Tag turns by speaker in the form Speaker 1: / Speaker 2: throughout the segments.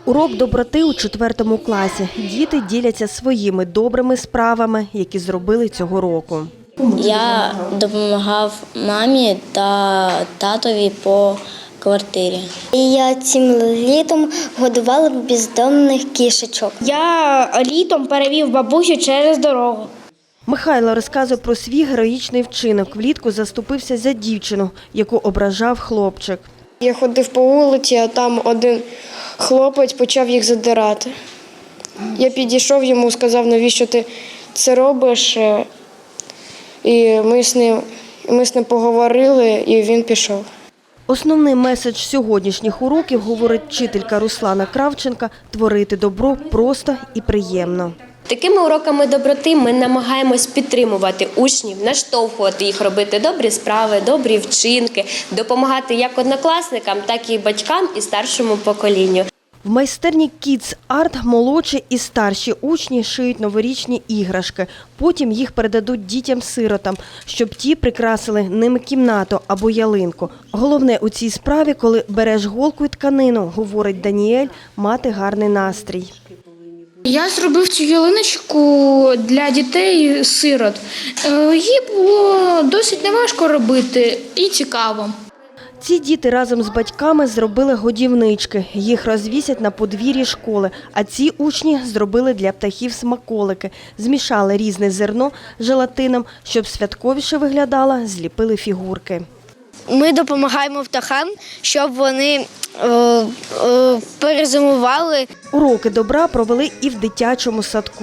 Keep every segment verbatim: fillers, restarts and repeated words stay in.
Speaker 1: Урок доброти у четвертому класі. Діти діляться своїми добрими справами, які зробили цього року.
Speaker 2: Я допомагав мамі та татові по квартирі.
Speaker 3: І я цим літом годувала бездомних кішечок.
Speaker 4: Я літом перевів бабусю через дорогу.
Speaker 1: Михайло розказує про свій героїчний вчинок. Влітку заступився за дівчину, яку ображав хлопчик.
Speaker 5: Я ходив по вулиці, а там один хлопець почав їх задирати. Я підійшов йому, сказав, навіщо ти це робиш. І ми з ним, ми з ним поговорили, і він пішов.
Speaker 1: Основний меседж сьогоднішніх уроків, говорить вчителька Руслана Кравченка, творити добро просто і приємно.
Speaker 6: Такими уроками доброти ми намагаємось підтримувати учнів, наштовхувати їх робити добрі справи, добрі вчинки, допомагати як однокласникам, так і батькам і старшому поколінню.
Speaker 1: В майстерні Kids Art молодші і старші учні шиють новорічні іграшки. Потім їх передадуть дітям-сиротам, щоб ті прикрасили ними кімнату або ялинку. Головне у цій справі, коли береш голку і тканину, говорить Даніель, мати гарний настрій.
Speaker 4: Я зробив цю ялиночку для дітей-сирот. Її було досить неважко робити і цікаво.
Speaker 1: Ці діти разом з батьками зробили годівнички. Їх розвісять на подвір'ї школи. А ці учні зробили для птахів смаколики. Змішали різне зерно з желатином, щоб святковіше виглядало, зліпили фігурки.
Speaker 3: Ми допомагаємо птахам, щоб вони е, е, перезимували.
Speaker 1: Уроки добра провели і в дитячому садку.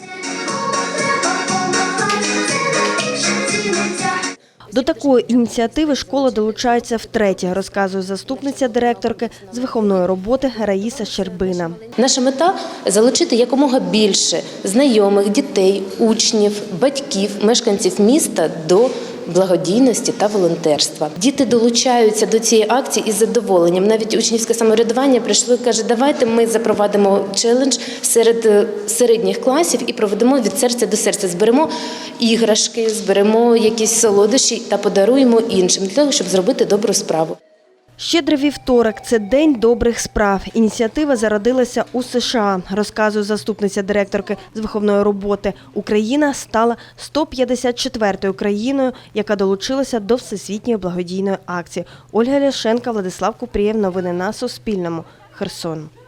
Speaker 1: До такої ініціативи школа долучається втретє, розказує заступниця директорки з виховної роботи Раїса Щербина.
Speaker 7: Наша мета – залучити якомога більше знайомих, дітей, учнів, батьків, мешканців міста до благодійності та волонтерства. Діти долучаються до цієї акції із задоволенням. Навіть учнівське самоврядування прийшло і каже, давайте ми запровадимо челендж серед середніх класів і проведемо від серця до серця. Зберемо іграшки, зберемо якісь солодощі та подаруємо іншим, для того, щоб зробити добру справу.
Speaker 1: Щедрий вівторок – це День добрих справ. Ініціатива зародилася у США, розказує заступниця директорки з виховної роботи. Україна стала сто п'ятдесят четвертою країною, яка долучилася до всесвітньої благодійної акції. Ольга Ляшенка, Владислав Купрієв. Новини на Суспільному. Херсон.